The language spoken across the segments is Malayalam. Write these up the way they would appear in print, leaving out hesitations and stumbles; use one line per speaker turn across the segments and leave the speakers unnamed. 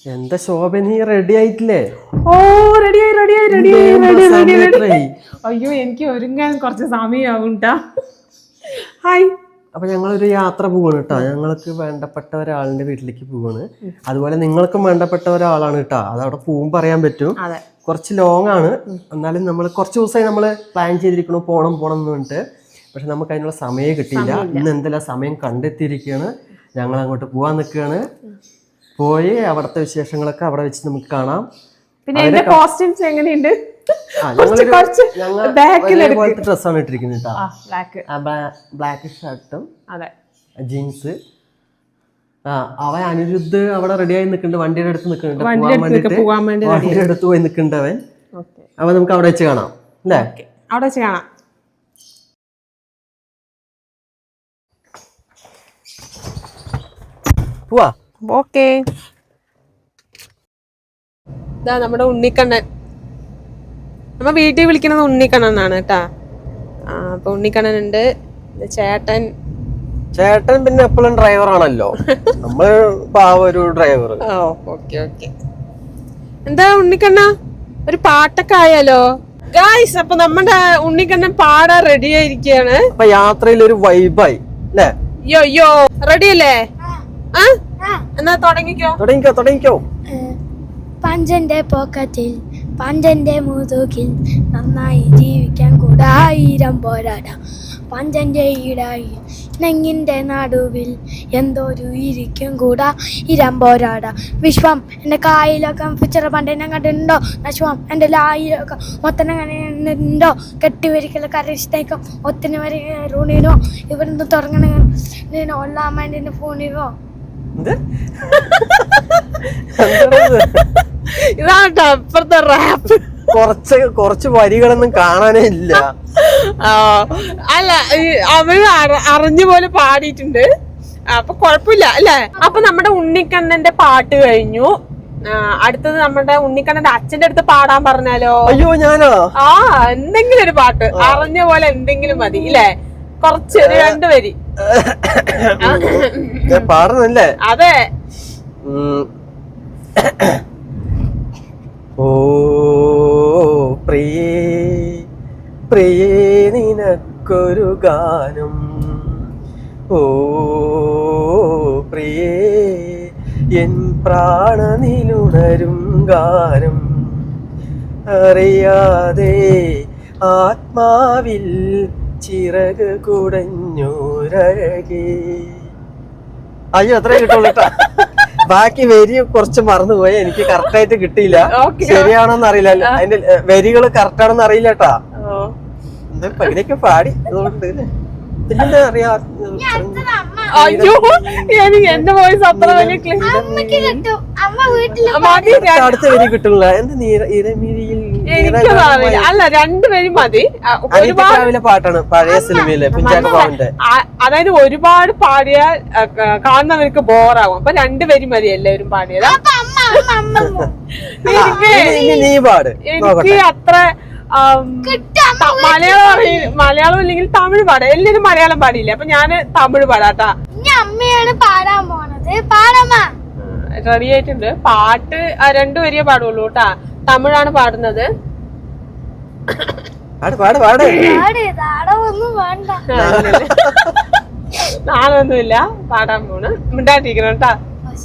എന്താ ശോഭ, നീ റെഡി ആയിട്ടില്ലേ?
ഓ റെഡിയായി. അയ്യോ എനിക്ക് ഒരുങ്ങാൻ കുറച്ച് സമയമാവും ട്ടാ. ഹായ്.
അപ്പൊ ഞങ്ങളൊരു യാത്ര പോവാണ് കേട്ടോ. ഞങ്ങൾക്ക് വേണ്ടപ്പെട്ട ഒരാളിന്റെ വീട്ടിലേക്ക് പോവാണ്. അതുപോലെ നിങ്ങൾക്കും വേണ്ടപ്പെട്ട ഒരാളാണ് കേട്ടോ. അത് അവിടെ പോകുമ്പോൾ പറയാൻ പറ്റും. കുറച്ച് ലോങ് ആണ്, എന്നാലും നമ്മൾ കുറച്ച് ദിവസമായി നമ്മൾ പ്ലാൻ ചെയ്തിരിക്കണു പോണം എന്ന് പറഞ്ഞിട്ട്. പക്ഷെ നമുക്ക് അതിനുള്ള സമയം കിട്ടിയില്ല. ഇന്ന് എന്തെല്ലാം സമയം കണ്ടെത്തിയിരിക്കുകയാണ്. ഞങ്ങൾ അങ്ങോട്ട് പോവാൻ നിൽക്കുകയാണ്. പോയി അവിടുത്തെ വിശേഷങ്ങളൊക്കെ അവിടെ വെച്ച് നമുക്ക് കാണാം.
പിന്നെ എന്റെ കോസ്റ്റ്യൂംസ് എങ്ങനെയുണ്ട്?
ഡ്രസ്സാണ് ഇട്ടിരിക്കുന്നത് കേട്ടോ. ബ്ലാക്ക് ഷർട്ടും ജീൻസ്. അവൻ അനിരുദ്ധ് അവിടെ റെഡിയായി നിൽക്കുന്നുണ്ട്, വണ്ടിയുടെ അടുത്ത് നിൽക്കുന്നുണ്ട്, വണ്ടിയുടെ അടുത്ത് പോയി നിൽക്കുന്നുണ്ട് അവൻ. അവൻ നമുക്ക് അവിടെ വെച്ച് കാണാം അല്ലേ?
അവിടെ വെച്ച് കാണാം.
പോവാ.
ഓക്കേ. ഇതാ നമ്മുടെ ഉണ്ണിക്കണ്ണൻ. നമ്മ വീട്ടിൽ വിളിക്കുന്നത് ഉണ്ണിക്കണ്ണനാണ് കേട്ടാ. അപ്പൊ ഉണ്ണിക്കണ്ണൻ ഉണ്ട്. ചേട്ടൻ
പിന്നെ എപ്പോഴും ഡ്രൈവർ ആണല്ലോ. നമ്മള് ഒരു ഡ്രൈവർ.
ഓക്കെ. എന്താ ഉണ്ണിക്കണ്ണ, ഒരു പാട്ടൊക്കെ ആയാലോ ഗായ്സ്? അപ്പൊ നമ്മുടെ ഉണ്ണിക്കണ്ണൻ പാടാൻ റെഡി ആയിരിക്കുകയാണ്.
അപ്പൊ യാത്രയിൽ ഒരു വൈബായി അല്ലേ?
യോ റെഡി അല്ലേ? എന്നാ തുടങ്ങിക്കോ.
പഞ്ചന്റെ പോക്കറ്റിൽ പഞ്ചന്റെ മുതുകിൽ നന്നായി ജീവിക്കാൻ കൂടെ 1000 പോരാടാ. പഞ്ചന്റെ ഈടായി നെങ്ങിന്റെ നടുവിൽ എന്തോരു ഇരിക്കും കൂടാ 1000 പോരാടാ. വിശ്വം എൻ്റെ കായിലൊക്കെ പിച്ചറ പണ്ടെന്നെ കണ്ടിട്ടുണ്ടോ? നശ്വം എൻ്റെ ലായിലൊക്കെ മൊത്തനെ കണ്ടിട്ടുണ്ടോ? കെട്ടിവരിക്കല കരയിഷ്ടേക്കും ഒത്തിരി വരെ റൂണിനോ ഇവിടുന്ന് തുടങ്ങണ ഒല്ലാമ്മേൻ്റെ ഫോണിനോ.
ഇതാട്ടോ ഇപ്പഴത്തെ റാപ്പ്.
കുറച്ച് വരികളൊന്നും കാണാനേ ഇല്ല.
അല്ല, അവര് അറിഞ്ഞ പോലെ പാടിയിട്ടുണ്ട്. അപ്പൊ കൊഴപ്പില്ല അല്ലേ? അപ്പൊ നമ്മുടെ ഉണ്ണിക്കണ്ണന്റെ പാട്ട് കഴിഞ്ഞു. അടുത്തത് നമ്മുടെ ഉണ്ണിക്കണ്ണന്റെ അച്ഛന്റെ അടുത്ത് പാടാൻ പറഞ്ഞാലോ?
അയ്യോ ഞാനോ?
എന്തെങ്കിലും ഒരു പാട്ട് അറിഞ്ഞ പോലെ എന്തെങ്കിലും മതി ഇല്ലേ? കുറച്ച് 2 വരി
പാടുന്നല്ലേ?
അതെ.
ഓ പ്രിയേ നിനക്കൊരു ഗാനം. ഓ പ്രിയേ എൻ പ്രാണനിലുണരും ഗാനം. അറിയാതെ ആത്മാവിൽ ചിറക് കുടഞ്ഞൂരഴകേ. അയ്യോ അത്രേ കിട്ടുള്ളൂ കേട്ടാ. ബാക്കി വരി കുറച്ച് മറന്നുപോയി, എനിക്ക് കറക്റ്റ് ആയിട്ട് കിട്ടിയില്ല. ശരിയാണോന്ന് അറിയില്ല, അതിന്റെ വരികള് കറക്റ്റ് ആണെന്ന് അറിയില്ല കേട്ടാ. എന്താ പകുതിയൊക്കെ പാടി. അതുകൊണ്ട് പിന്നെന്താ അറിയാ,
അയ്യോ എനിക്ക് എന്റെ വോയിസ് അത്ര വലിയ
അടുത്ത വരി കിട്ടുന്നില്ല. എന്താ ഇരമിഴിയിൽ
അല്ല 2 വരി മതി.
ഒരുപാട് പാട്ടാണ് പഴയ സിനിമയിലെ കുഞ്ചാക്കോ ബോബന്റെ.
അതായത് ഒരുപാട് പാടിയാൽ കാണുന്നവർക്ക് ബോറാവും. അപ്പൊ 2 വരി മതി എല്ലാവരും പാടിയത്. എനിക്ക് അത്ര മലയാളം അല്ലെങ്കിൽ തമിഴ് പാടാം. എല്ലാരും മലയാളം പാടിയില്ല, അപ്പൊ ഞാന് തമിഴ് പാടാട്ടാ.
അമ്മയാണ് പാടാൻ പോണത്.
റെഡി ആയിട്ടുണ്ട്. പാട്ട് 2 വരിയേ പാടുള്ളൂ കേട്ടാ. തമിഴാണ് പാടുന്നത്. നാളൊന്നുമില്ല, പാടാൻ പോണ്. മിണ്ടാട്ടിരിക്കണം കേട്ടാ.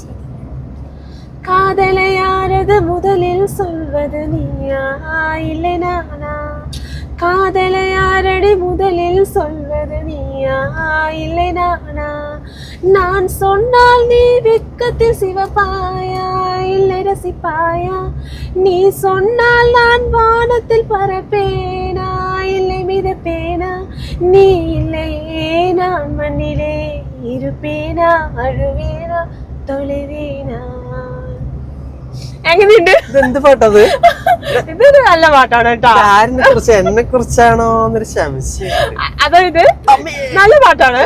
காதலை யாரது முதலில் சொல்வது நீயா இல்லை நானா? காதலை யாரடி முதலில் சொல்வது நீயா இல்லை நானா? நான் சொன்னால் நீ வெட்கத்தில் சிவப்பாயா இல்லை ரசிப்பாயா? நீ சொன்னால் நான் வானத்தில் பறப்பேனா இல்லை மிதப்பேனா? நீ இல்லையே நான் மண்ணிலே இருப்பேனா அழுவேனா தொலைவேனா? എങ്ങനെയുണ്ട്?
എന്ത് പാട്ടത്?
ഇതൊരു നല്ല പാട്ടാണ് കേട്ടോ.
ആരിനെ കുറിച്ച്, എന്നെ കുറിച്ചാണോ എന്നൊരു സംശയം.
അതായത് നല്ല പാട്ടാണ്.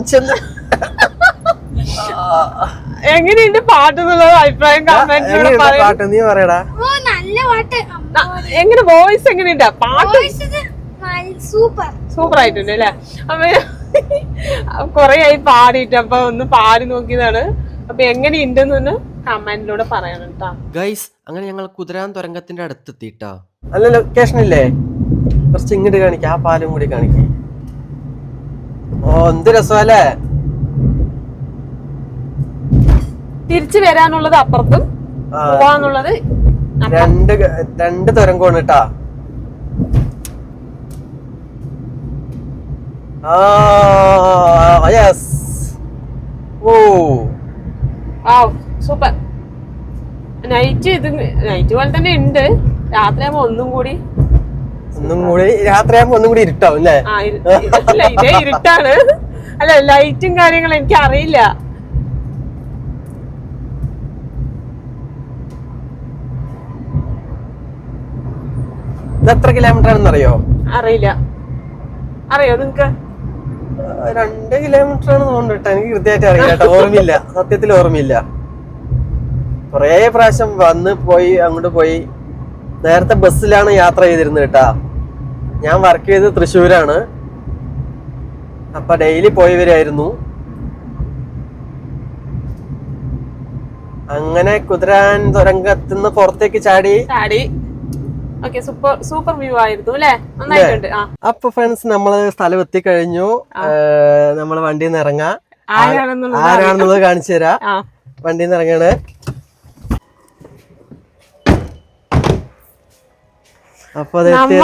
എങ്ങനെയുണ്ട് പാട്ട് എന്നുള്ളത് അഭിപ്രായം
പാട്ട് നീ പറയടാ.
എങ്ങനെ വോയിസ് എങ്ങനെയുണ്ട്? പാട്ട്
സൂപ്പർ
ആയിട്ടുണ്ട് അല്ലെ? അപ്പൊ കൊറേ ആയി പാടിയിട്ട്, അപ്പൊ ഒന്ന് പാടി നോക്കിയതാണ്. അപ്പൊ എങ്ങനെയുണ്ടെന്ന് കമന്റിലൂടെ പറയണം കേട്ടോ.
ഗൈസ് അങ്ങനെ ഞങ്ങൾ കുതിരാൻ തുരങ്കത്തിന്റെ അടുത്തെത്തിട്ടാ. നല്ല ലൊക്കേഷൻ ഇല്ലേ? കുറച്ച് ഇങ്ങോട്ട് കാണിക്ക, ആ പാലും കൂടി കാണിക്കേ. ഓ എന്ത് രസമല്ലേ.
തിരിച്ചു വരാനുള്ളത് അപ്പുറത്തും പോവാന്നുള്ളത്
രണ്ട് തുരങ്കമാണ് കേട്ടാ. യെസ്. ഓ
സൂപ്പർ. നൈറ്റ് പോലെ തന്നെ ഉണ്ട്. രാത്രിയാകുമ്പോ ഒന്നും കൂടി
രാത്രിയാകുമ്പോ ഒന്നും കൂടി ഇരുട്ടാവും അല്ലേ?
ഇതേ ഇരുട്ടാണ്. അല്ല ലൈറ്റും കാര്യങ്ങളും എനിക്ക് അറിയില്ല.
ഇത് എത്ര കിലോമീറ്റർ ആണെന്ന് അറിയോ?
അറിയില്ല. അറിയോ നിങ്ങക്ക്?
2 കിലോമീറ്റർ ആണ് തോന്നുന്നു. എനിക്ക് കൃത്യമായിട്ട് അറിയില്ല, ഓർമ്മയില്ല, സത്യത്തിൽ ഓർമ്മയില്ല. കൊറേ പ്രാവശ്യം വന്ന് പോയി അങ്ങോട്ട് പോയി. നേരത്തെ ബസ്സിലാണ് യാത്ര ചെയ്തിരുന്നത് കേട്ടാ. ഞാൻ വർക്ക് ചെയ്തത് തൃശ്ശൂരാണ്. അപ്പൊ ഡെയിലി പോയി വരായിരുന്നു. അങ്ങനെ കുതിരാൻ തുരങ്കത്തുനിന്ന് പുറത്തേക്ക് ചാടി.
സൂപ്പർ വ്യൂ ആയിരുന്നു അല്ലേ? നന്നായിട്ടുണ്ട്.
അപ്പൊ ഫ്രണ്ട്സ് നമ്മള് സ്ഥലം എത്തിക്കഴിഞ്ഞു. നമ്മള് വണ്ടിയിൽ നിന്ന് ഇറങ്ങാം. ആരാണെന്നുള്ളത് കാണിച്ചു തരാം. വണ്ടിയിൽ നിന്ന് ഇറങ്ങാണ്. അപ്പൊ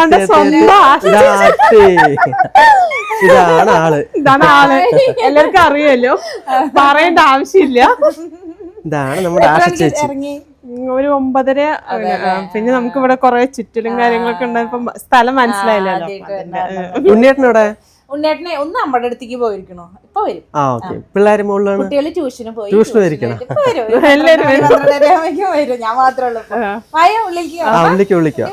ഇതാണ് ആള്.
എല്ലാവർക്കും അറിയാലോ, പറയേണ്ട ആവശ്യമില്ല.
ഇതാണ് നമ്മുടെ ആശ ചേച്ചി.
ഒരു 9:30. പിന്നെ നമുക്ക് ഇവിടെ കൊറേ ചുറ്റലും കാര്യങ്ങളൊക്കെ ഉണ്ടായപ്പോ സ്ഥലം മനസ്സിലായില്ലല്ലോ.
ഉണ്ണിയേട്ടനോടെ?
ഉണ്ണിയേട്ടനെ ഒന്ന് നമ്മുടെ അടുത്തേക്ക് പോയിരിക്കണോ? ഇപ്പൊ വരും.
പിള്ളേര് മുകളിലാണ്.
കുട്ടികള് ട്യൂഷന് പോയി.
ട്യൂഷന് പോയിരിക്കണം.
വരും. ഞാൻ മാത്രമേ ഉള്ളൂ.
വിളിക്കാം.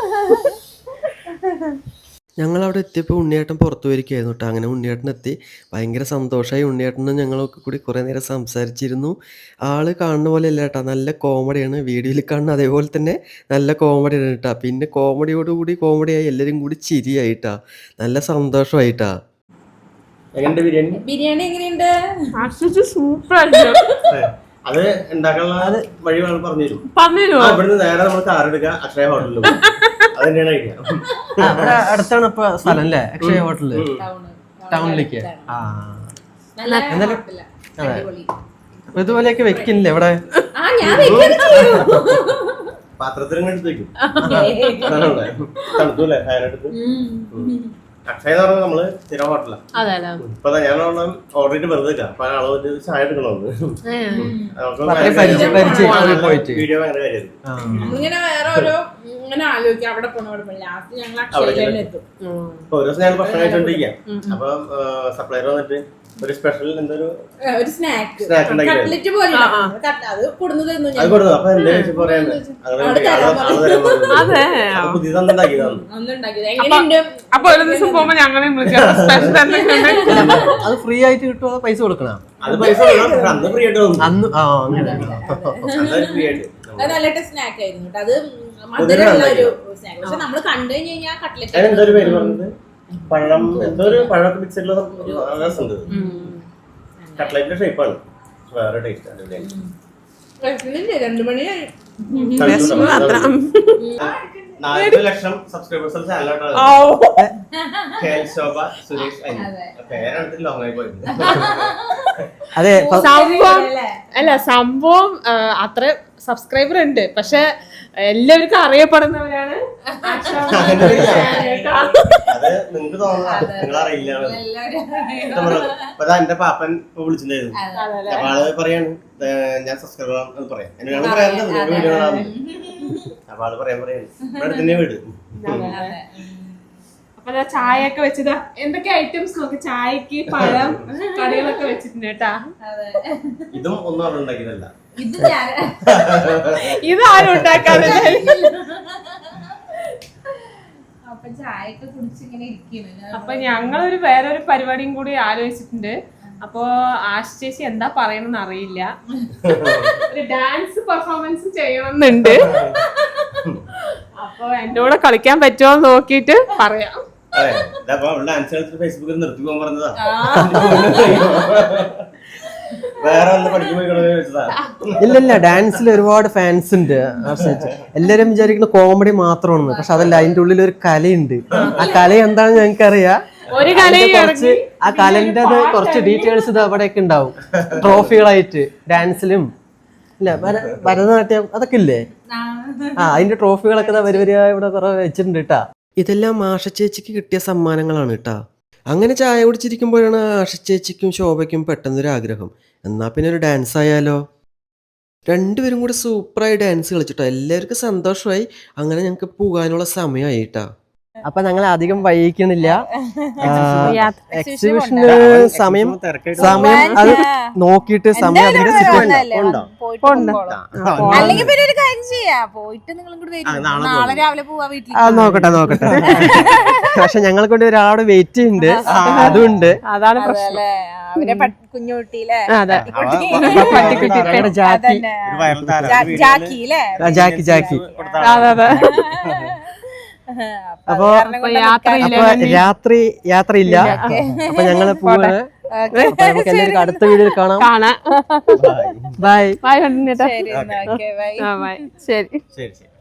ഞങ്ങൾ അവിടെ എത്തിയപ്പോൾ ഉണ്ണിയേട്ടൻ പുറത്തു പോയിരിക്കുകയായിരുന്നു കേട്ടോ. അങ്ങനെ ഉണ്ണിയേട്ടൻ എത്തി. ഭയങ്കര സന്തോഷമായി. ഉണ്ണിയേട്ടനും ഞങ്ങളൊക്കെ കൂടി കുറേ നേരം സംസാരിച്ചിരുന്നു. ആള് കാണുന്ന പോലെ അല്ല കേട്ടോ, നല്ല കോമഡിയാണ്. വീഡിയോയിൽ കാണുന്ന അതേപോലെ തന്നെ നല്ല കോമഡിയാണ് കേട്ടോ. പിന്നെ കോമഡിയോടുകൂടി കോമഡിയായി, എല്ലാവരും കൂടി ചിരിയായിട്ടാ. നല്ല സന്തോഷമായിട്ടാ.
ബിരിയാണി എങ്ങനെയുണ്ട്?
സൂപ്പർ.
അത് ഉണ്ടാക്കാനുള്ള വഴി പറഞ്ഞു ഇവിടുന്ന് നേരെ നമ്മൾ കാർ എടുക്കുക, അക്ഷയ ഹോട്ടലിൽ. അതെന്താണ് ഐഡിയ.
അടുത്താണ് ഇപ്പൊ സ്ഥലം അല്ലേ? അക്ഷയ ഹോട്ടലില് ടൗണിലേക്ക്. ഇതുപോലെയൊക്കെ വെക്കില്ലേ ഇവിടെ?
പാത്രത്തിലും എടുത്ത് വെക്കും. തണുത്തൂല്ലേ ഫാനെടുത്ത്. അക്ഷയ എന്ന് പറഞ്ഞാൽ നമ്മള് സ്ഥിരം ഹോട്ടലാണ്. ഇപ്പൊ ഞാൻ ഓർഡർ ചെയ്തിട്ട് വെറുതെ പല അളവ് ചായ എടുക്കണമെന്ന്. വീഡിയോ ഭയങ്കര ഓരോ ദിവസം ഞാൻ ഭക്ഷണം കഴിച്ചോണ്ടിരിക്കാം. അപ്പൊ സപ്ലൈർ വന്നിട്ട് ഒരു സ്പെഷ്യൽ എന്തൊരു സ്നാക്ക് അത് കൊടുത്തു. അപ്പൊ എന്റെ പറയാനുണ്ട്
അപ്പൊ ഒരു ദിവസം പോകുമ്പോ ഞങ്ങളെയും
അത് ഫ്രീ ആയിട്ട് കിട്ടുമോ? പൈസ കൊടുക്കണം?
അത് പൈസ അന്ന് ഫ്രീ ആയിട്ട്
അന്ന്.
ഫ്രീ ആയിട്ട്
നല്ല സ്നാക്ക് ആയിരുന്നു. അത് മധുരമുള്ള ഒരു സ്നാക്ക്. പക്ഷെ നമ്മള് കണ്ടു കഴിഞ്ഞാൽ കട്ട്ലറ്റ്
എന്തൊരു പേര് പറഞ്ഞത്, പഴം എന്തോ ഒരു പഴമൊക്കെ മിക്സ് ചെയ്തിട്ടുള്ള രസമുണ്ട്. കട്ട്ലറ്റിന്റെ ഷേപ്പാണ്, വേറെ ടേസ്റ്റ് ആണ്.
2 മണിയായി.
40 ലക്ഷം സബ്സ്ക്രൈബേഴ്സ് ചാനലാണ്. ശോഭ സുരേഷ് പേരാണ് ലോങ് ആയി പോയത്.
അതെ,
സംഭവം അത്ര സബ്സ്ക്രൈബർ ഉണ്ട്, പക്ഷെ എല്ലാവർക്കും അറിയപ്പെടുന്നവരാണ്.
അത് നിങ്ങൾക്ക് തോന്നുന്നു, നിങ്ങൾ അറിയില്ല. എന്റെ പാപ്പൻ ഇപ്പൊ വിളിച്ചിട്ടുണ്ടായിരുന്നു. അപ്പൊ ആള് പറയാണ് ഞാൻ സബ്സ്ക്രൈബർ ആണെന്ന് പറയാം. എന്നോട് പറയാറുണ്ട് വീഡിയോ കാണാറുണ്ട്. അപ്പൊ ആള് പറയാൻ ഇവിടെ വീട്.
അപ്പൊ ചായ ഒക്കെ വെച്ചത് എന്തൊക്കെ ഐറ്റംസ് നോക്കി, ചായക്ക് പഴം കടികളൊക്കെ വെച്ചിട്ടുണ്ട് കേട്ടാ.
ഇതും ഒന്നും അവിടെ ഉണ്ടാക്കിയതല്ല,
ഇതാരും ഉണ്ടാക്കാതെ. അപ്പൊ ഞങ്ങളൊരു വേറൊരു പരിപാടിയും കൂടി ആലോചിച്ചിട്ടുണ്ട്. അപ്പൊ ആശ ചേച്ചി എന്താ പറയണമെന്ന് അറിയില്ല. ഒരു ഡാൻസ് പെർഫോമൻസ് ചെയ്യണമെന്നുണ്ട്. അപ്പൊ എന്റെ കൂടെ കളിക്കാൻ പറ്റുമോ നോക്കിട്ട് പറയാം.
ഫേസ്ബുക്കിൽ നിർത്തി പോകാൻ പറഞ്ഞതാ. വേറെ വല്ല പഠിക്കുമ്പോ ചോദിച്ചതാ.
ഇല്ല ഡാൻസിൽ ഒരുപാട് ഫാൻസ് ഉണ്ട് ആശ്രയിച്ച്. എല്ലാരും വിചാരിക്കുന്ന കോമഡി മാത്രമാണ്, പക്ഷെ അതല്ല, അതിന്റെ ഉള്ളിൽ ഒരു കലയുണ്ട്. ആ കല എന്താണെന്ന് ഞങ്ങൾക്കറിയാം.
ഒരു കലയും
കുറച്ച് ആ കലന്റെ കുറച്ച് ഡീറ്റെയിൽസ് ഇത് അവിടെയൊക്കെ ഉണ്ടാവും, ട്രോഫികളായിട്ട്. ഡാൻസിലും ഇല്ല ഭരതനാട്യം അതൊക്കെ ഇല്ലേ, അതിന്റെ ട്രോഫികളൊക്കെ വരിവരിയായി ഇവിടെ കുറെ വെച്ചിട്ടുണ്ട് കേട്ടാ. ഇതെല്ലാം ആഷ ചേച്ചിക്ക് കിട്ടിയ സമ്മാനങ്ങളാണ് കേട്ടാ. അങ്ങനെ ചായ കുടിച്ചിരിക്കുമ്പോഴാണ് ആഷ ചേച്ചിക്കും ശോഭയ്ക്കും പെട്ടെന്നൊരു ആഗ്രഹം, എന്നാ പിന്നെ ഒരു ഡാൻസ് ആയാലോ. രണ്ടുപേരും കൂടെ സൂപ്പറായി ഡാൻസ് കളിച്ചിട്ടോ. എല്ലാവർക്കും സന്തോഷമായി. അങ്ങനെ ഞങ്ങൾക്ക് പോകാനുള്ള സമയമായി കേട്ടാ. അപ്പൊ ഞങ്ങൾ അധികം വൈകിക്കണില്ല. എക്സിബിഷന് സമയം അത് നോക്കിയിട്ട് സമയം
അല്ലെങ്കിൽ പിന്നെ ഒരു കാര്യം ചെയ്യാ, പോയിട്ട് നിങ്ങളും കൂടി വരും. നാളെ രാവിലെ പോവാ വീട്ടിൽ.
നോക്കട്ടെ. പക്ഷെ ഞങ്ങളെ കൊണ്ട് ഒരാളോട് വെയിറ്റ് ചെയ്യുന്നുണ്ട്, അതുണ്ട്.
അതാണ് പ്രശ്നം.
അവരെ കുഞ്ഞുകുട്ടിയില്ലേ,
ജാക്കി. അപ്പൊ യാത്രയില്ല. അപ്പൊ ഞങ്ങള് പോവാണ്. നമുക്ക് എല്ലാവർക്കും അടുത്ത വീഡിയോയിൽ കാണാം. ബൈ.
ബൈ.
ശരി.
ശരി.
ശരി.